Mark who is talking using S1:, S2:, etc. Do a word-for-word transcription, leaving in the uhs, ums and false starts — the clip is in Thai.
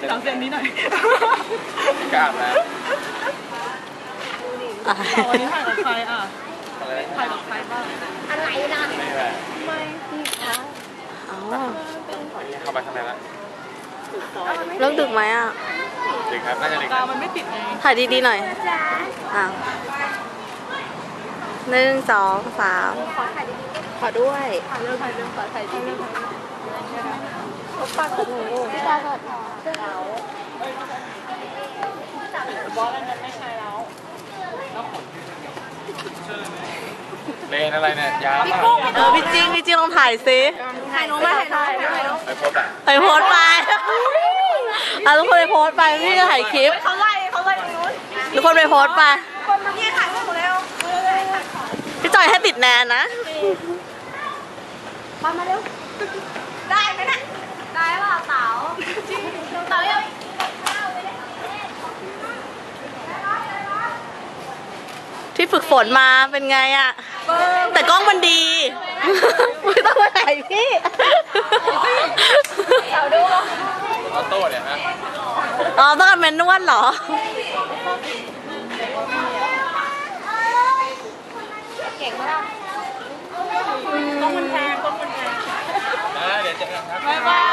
S1: หลังเสียงนี้หน่อย
S2: กล้ามนะ
S1: วันนี้ถ่ายกับใครอ่ะถ่ายกับใครบ้าง
S3: อะไรนะ
S2: ไม่แหละ
S3: ไม่พี่คะ
S2: อ๋อเข้าไปข้างในแล้ว
S4: เลิกดึกไหมอ่ะ
S2: ดึกครับน่าจะดึก
S1: กาวมันไม่ติดไง
S4: ถ่ายดีๆหน่อยอ่ะหนึ่งสองสาม
S3: ขอถ่ายดีๆ
S4: ขอด้วย
S1: ถ่ายเร็วถ่ายเร็วขอถ่ายที่เร็วถ่ายเร็ว
S3: เขาปังกับหนูพี่ตาก่อนเรา
S1: บอสนั้นไม่ใช่แล้ว
S2: เลนอะไรเนี่ยยาวมาก
S4: เออพี่จิ้งพี่จิ้งลองถ่ายซิ
S3: ถ่ายหนูมาถ่ายหนู
S2: ไปโพสอ่ะ
S4: ไปโพสไปอ่ะทุกคนไปโพสไปพี่จะถ่ายคลิป
S3: เขาไล่เขาไล่ตรงนู้น
S4: ทุกคนไปโพสไป
S3: คนมาเนี่ยถ่ายรูปหมดแล้ว
S4: พี่จอยให้ติดแนนนะ
S3: มามาเร็วได้ไหมน่ะได้ป่ะเต๋าจริงเต๋ายัง
S4: ที่ฝึกฝนมาเป็นไงอะแต่กล้องมันดีไม่ต้องมาถ่ายพี่
S3: เต๋าดู
S2: ออโต้เนี่ยนะ
S4: อ๋อต้องการแมนนวลเหรอ
S3: เก่งมาก
S1: กล้องมันแพงกล้องมันแพง
S2: นะเดี๋ยวเจอกันครับ
S1: บ๊ายบาย